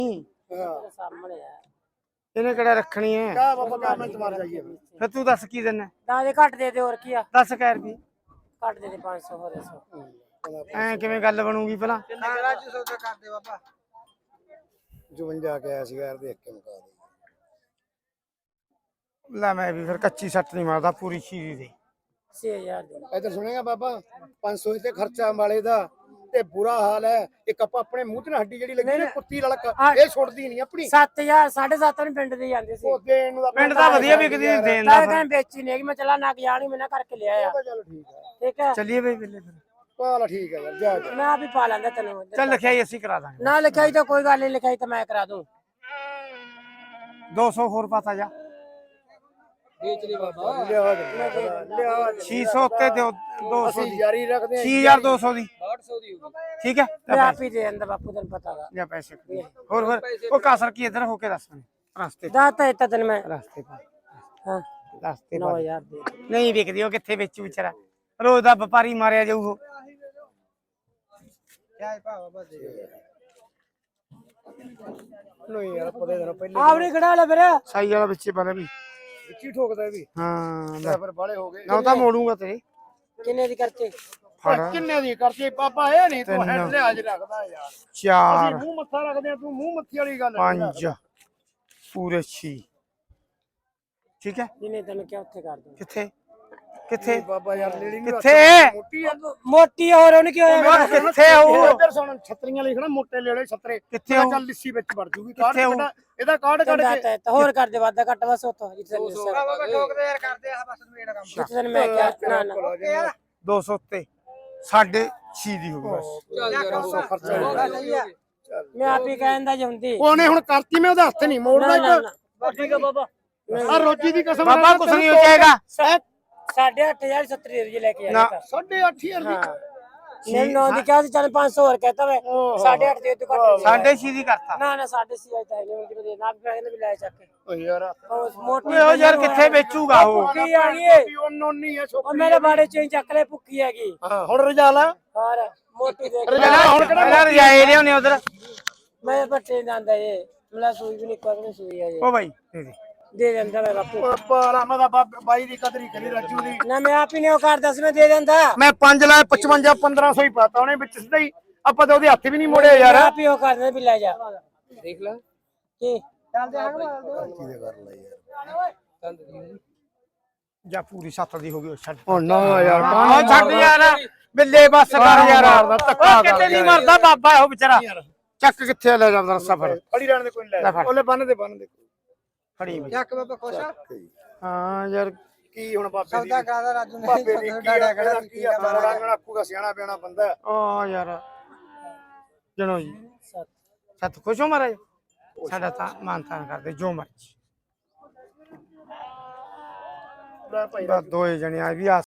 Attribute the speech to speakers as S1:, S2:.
S1: ਸਾਹਮਣੇ ਆ
S2: ਇਹਨੇ ਕਿਹੜਾ ਰੱਖਣੀ ਹੈ
S3: ਕਾ ਬਾਬਾ ਕਾ ਮਿੰਟ ਮਾਰ ਜਾਈਏ
S2: ਫਿਰ ਤੂੰ ਦੱਸ ਕੀ ਦਿੰਨਾ
S1: ਤਾਂ ਦੇ ਘੱਟ ਦੇ ਹੋਰ ਕੀ ਆ
S2: ਦੱਸ ਕਹਿ ਰੁਪਏ
S1: ਘੱਟ ਦੇ 500 ਹੋਰ 100
S2: ਐ ਕਿਵੇਂ ਗੱਲ ਬਣੂਗੀ ਪਹਿਲਾਂ
S3: ਕਿੰਨੇ ਰਾਜੂ ਸੌਦਾ ਕਰਦੇ ਬਾਬਾ 55 ਗਿਆ ਸੀ ਯਾਰ ਦੇਖ ਕੇ ਮੁਕਾ ਦੇ
S2: ਲੈ ਮੈਂ ਵੀ ਫਿਰ ਕੱਚੀ ਸੱਟ ਨਹੀਂ ਮਾਰਦਾ ਪੂਰੀ ਸ਼ੀਰੀ ਦੇ
S1: 6000 ਦੇ
S3: ਇੱਧਰ ਸੁਣੇਗਾ ਬਾਬਾ 500 ਤੇ ਖਰਚਾ ਵਾਲੇ ਦਾ ਤੇ ਬੁਰਾ ਹਾਲ ਹੈ ਇੱਕ ਆਪਾਂ ਆਪਣੇ ਮੂੰਹ ਤੇ ਹੱਡੀ ਜਿਹੜੀ ਲੱਗੀ ਨੇ ਕੁੱਤੀ ਲੜਕ ਇਹ ਛੁੱਟਦੀ ਨਹੀਂ ਆਪਣੀ
S1: 7000 7.5 ਨੂੰ ਪਿੰਡ ਦੇ ਜਾਂਦੇ ਸੀ
S3: ਉਹ ਦੇਣ ਨੂੰ
S2: ਪਿੰਡ ਤਾਂ ਵਧੀਆ ਵਿਕਦੀ ਨਹੀਂ ਦੇਣ ਦਾ
S1: ਤਾਂ ਕਹਿੰਦੇ ਵੇਚੀ ਨਹੀਂ ਮੈਂ ਚਲਾ ਨਾ ਗਿਆ ਨਹੀਂ ਮੈਂ ਨਾ ਕਰਕੇ ਲਿਆ ਆ
S3: ਚਲ ਠੀਕ ਹੈ
S1: ਠੀਕ ਹੈ
S2: ਚੱਲੀਏ ਬਈ ਬਿੱਲੇ ਫਿਰ
S3: ਪਾਲਾ ਠੀਕ ਹੈ ਯਾਰ ਜਾ ਜਾ
S1: ਮੈਂ ਆਪ ਹੀ ਪਾ ਲਾਂਗਾ ਤੈਨੂੰ
S2: ਚੱਲ ਲਿਖਾਈ ਅਸੀਂ ਕਰਾ ਦਾਂਗੇ
S1: ਨਾ ਲਿਖਾਈ ਤਾਂ ਕੋਈ ਗੱਲ ਨਹੀਂ ਲਿਖਾਈ ਤਾਂ ਮੈਂ ਕਰਾ ਦੂੰ
S2: 200 ਹੋਰ ਪਾਤਾ ਜਾ
S3: ਵੇਚ ਲਈ ਬਾਬਾ ਲਿਆ
S2: 600 ਉੱਤੇ ਦਿਓ 200
S3: ਅਸੀਂ
S2: ਦੀ
S3: ਜਾਰੀ ਰੱਖਦੇ ਹਾਂ
S2: 6200 ਦੀ
S3: 800 ਦੀ ਹੋਊਗੀ
S2: ਠੀਕ ਹੈ
S1: ਮੈਂ ਆਪ ਹੀ ਦੇ ਅੰਦਰ ਬਾਪੂ ਤੈਨੂੰ ਪਤਾ ਗਾ
S2: ਜਾਂ ਪੈਸੇ ਹੋਰ ਉਹ ਕਾਸਰ ਕੀ ਇਧਰ ਹੋ ਕੇ ਦੱਸ ਮੈਨੂੰ ਰਸਤੇ
S1: ਦਾਤਾ ਇੱਤਾ ਤੈਨੂੰ ਮੈਂ
S2: ਰਸਤੇ ਪਾ
S1: ਹਾਂ
S2: ਰਸਤੇ ਪਾ
S1: 9000 ਦੇ
S2: ਨਹੀਂ ਵਿਕਦੀ ਉਹ ਕਿੱਥੇ ਵੇਚੂ ਵਿਚਾਰਾ ਰੋਜ਼ ਦਾ ਵਪਾਰੀ ਮਾਰਿਆ ਜਾਊ ਉਹ
S3: ਕਿਆ ਭਾ ਬਾਬਾ ਦੇ ਨਹੀਂ ਯਾਰ ਪਤਾ ਦੇਣਾ ਪਹਿਲੇ
S1: ਆਪਣੀ ਖੜਾ ਲੈ ਫਿਰ
S2: ਸਾਈ ਵਾਲਾ ਵਿੱਚੇ ਬਣਾ ਵੀ
S3: ਵਿੱਚੀ ਠੋਕਦਾ ਇਹ ਵੀ
S2: ਹਾਂ
S3: ਲੈ ਫਿਰ ਬਾਲੇ ਹੋ ਗਏ
S2: ਨਾ ਤਾਂ ਮੋੜੂਗਾ ਤੇਰੇ
S1: ਕਿੰਨੇ ਦੀ ਕਰਤੇ
S2: ਫੜ
S3: ਕਿੰਨੇ ਦੀ ਕਰਤੀ ਪਾਪਾ ਇਹ ਨਹੀਂ ਤੂੰ ਹੈਡ ਲਿਆਜ ਰੱਖਦਾ ਯਾਰ ਅਸੀਂ
S2: 4
S3: ਮੂੰਹ ਮੱਥਾ ਰੱਖਦੇ ਆ ਤੂੰ ਮੂੰਹ ਮੱਥੀ ਵਾਲੀ ਗੱਲ
S2: 5 ਪੂਰੇ 6 ਠੀਕ ਹੈ
S1: ਜਿਹਨੇ ਤੈਨੂੰ ਕਿਹਾ ਉੱਥੇ ਕਰ ਦੂੰ
S2: ਕਿੱਥੇ ਕਿੱਥੇ
S3: ਬਾਬਾ ਯਾਰ ਲੇੜੀ ਨੂੰ
S2: ਕਿੱਥੇ
S3: ਮੋਟੀ ਆ
S1: ਮੋਟੀ ਹੋਰ ਉਹਨੇ ਕੀ ਹੋਇਆ
S2: ਕਿੱਥੇ ਆਊ
S3: ਇੱਧਰ ਸੁਣ ਛਤਰੀਆਂ ਲਿਖਣਾ ਮੋਟੇ ਲੇੜੇ ਛਤਰੇ
S2: ਕਿੱਥੇ ਆਊ
S3: ਚੱਲ ਲਿੱਸੀ ਵਿੱਚ ਵੜ ਜੂਗੀ ਕਾਰਡ
S2: ਕਿੱਥੇ ਆਊ?
S3: ਕੱਢ ਇਹਦਾ ਕਾਰਡ ਕੱਢ ਕੇ
S1: ਤਾਂ ਹੋਰ ਕਰ ਦੇ ਵਾਦਾ ਘੱਟ ਬਸ ਉੱਥੋਂ ਜਿੱਥੇ
S3: ਬਾਬਾ ਠੋਕਦੇ ਯਾਰ ਕਰਦੇ ਆ ਬਸ ਮੇਰਾ ਕੰਮ
S1: ਤੈਨੂੰ ਮੈਂ ਕਿਹਾ ਨਾ ਨਾ
S2: 200 ਉੱਤੇ 6.5 ਦੀ ਹੋ ਗਈ ਬਸ
S3: ਚੱਲ ਯਾਰ ਖਰਚਾ
S1: ਮੈਂ ਆਪ ਹੀ ਕਹਿੰਦਾ ਜੇ ਹੁੰਦੀ
S3: ਉਹਨੇ ਹੁਣ ਕਰਤੀ ਮੈਂ ਉਹਦਾ ਹੱਥ ਨਹੀਂ ਮੋੜਦਾ ਇੱਕ
S1: ਠੀਕ ਹੈ ਬਾਬਾ
S3: ਆ ਰੋਜੀ ਦੀ ਕਸਮ
S2: ਬਾਬਾ ਕੁਛ ਨਹੀਂ ਹੋ ਜਾਏਗਾ
S1: 8.50 70 ਰੁਪਏ ਲੈ ਕੇ
S2: ਨਾ।
S1: ਆਇਆ
S3: 8.5
S1: ਹਾਂ ਮੈਂ ਨੌ ਦੀ ਕਿਹਾ ਸੀ ਚੱਲ 500 ਹੋਰ ਕਹਤਾ ਮੈਂ 8.5 ਦੇ ਤੂੰ ਘੱਟ
S2: 6.5 ਦੀ ਕਰਤਾ
S1: ਨਾ ਨਾ 6.5 ਆਇਆ ਤਾਂ ਨਹੀਂ ਕਿਤੇ ਨਾ ਵੀ ਪੈਸੇ ਵੀ ਲੈ ਚੱਕ ਕੇ
S3: ਓ ਯਾਰ
S1: ਉਹ ਮੋਟੀ
S2: ਓਏ ਉਹ ਯਾਰ ਕਿੱਥੇ ਵੇਚੂਗਾ ਉਹ
S1: ਭੁੱਖੀ ਆ ਗਈ ਏ
S3: ਉਹਨੋਂ ਨਹੀਂ ਆ
S1: ਉਹ ਮੇਰੇ ਬਾੜੇ ਚੋਂ ਹੀ ਚੱਕ ਲੈ ਭੁੱਖੀ ਹੈਗੀ
S3: ਹਾਂ ਹੁਣ ਰਜਾਲਾ
S1: ਹੋਰ ਮੋਟੀ ਦੇਖ
S3: ਹੁਣ ਕਿਹੜਾ
S2: ਪਹਿਲਾਂ ਰਜਾਏ ਲਿਆਉਣੇ ਉਧਰ
S1: ਮੈਂ ਬੱਟੇ ਜਾਂਦਾ ਏ ਮਲਾ ਸੂਈ ਵੀ ਨਹੀਂ ਕੋਈ ਸੂਈ ਆ ਇਹ
S2: ਉਹ ਬਾਈ ਦੇ ਦੇ
S1: ਦੇ ਦਿੰਦਾ ਮੈਂ ਬਾਪੂ
S3: ਪਾਲਾ ਮੈਂ ਤਾਂ ਬਾਈ ਦੀ ਕਦਰੀ ਕਰੀ ਰਾਜੂ ਦੀ
S1: ਨਾ ਮੈਂ ਆਪ ਹੀ ਨਹੀਂ ਉਹ ਕਰਦਾ ਸੀ ਮੈਂ ਦੇ ਦਿੰਦਾ
S3: ਮੈਂ 5 ਲਾ 55 1500 ਹੀ ਪਾਤਾ ਉਹਨੇ ਵਿੱਚ ਸਿੱਧਾ ਹੀ ਆਪਾਂ ਤਾਂ ਉਹਦੇ ਹੱਥ ਵੀ ਨਹੀਂ ਮੋੜਿਆ ਯਾਰ
S1: ਆਪ ਹੀ ਉਹ ਕਰਦਾ ਵੀ ਲੈ ਜਾ
S3: ਦੇਖ ਲੈ
S1: ਕੀ
S3: ਕਿਹਦੇ ਕਰ ਲੈ ਯਾਰ
S2: ਜਾਂ ਪੂਰੀ 7 ਦੀ ਹੋ ਗਈ ਛੱਡ
S3: ਹੁਣ ਨਾ ਯਾਰ
S2: ਉਹ ਛੱਡ ਯਾਰ ਬਿੱਲੇ ਬੱਸ ਕਰ ਯਾਰ
S3: ਧੱਕਾ
S2: ਉਹ ਕਿਤੇ ਨਹੀਂ ਮਰਦਾ ਬਾਬਾ ਉਹ ਵਿਚਾਰਾ ਚੱਕ ਕਿੱਥੇ ਲੈ ਜਾਂਦਾ ਸਫਰ
S3: ਫੜੀ ਰਹਿਣ ਦੇ ਕੋਈ ਨਹੀਂ ਲੈ ਉਹਲੇ ਬੰਨ ਦੇ
S2: ਫੜੀ ਵੀ
S3: ਚੱਕ ਬਾਬਾ ਖੁਸ਼ ਆ
S2: ਹਾਂ ਯਾਰ
S3: ਕੀ ਹੁਣ ਬਾਬੇ ਦੀ ਸੌਦਾ ਕਰਾਦਾ ਰਾਜੂ ਨੇ ਬਾਬੇ ਦੀ ਕੀ ਆ ਬੜਾ ਗਣਾ ਆਖੂਗਾ ਸਿਆਣਾ ਪਿਆਣਾ ਬੰਦਾ
S2: ਓ ਯਾਰ ਜਣੋ ਜੀ ਸਤ ਖੁਸ਼ ਹੋ ਮਹਾਰਾਜ ਸਾਡਾ ਤਾਂ ਮਾਨਤਾਨ ਕਰਦੇ ਜੋ ਮਰਜੀ
S3: ਲੈ ਭਾਈ
S2: ਬਸ ਦੋਏ ਜਣੇ ਆ ਵੀ ਆ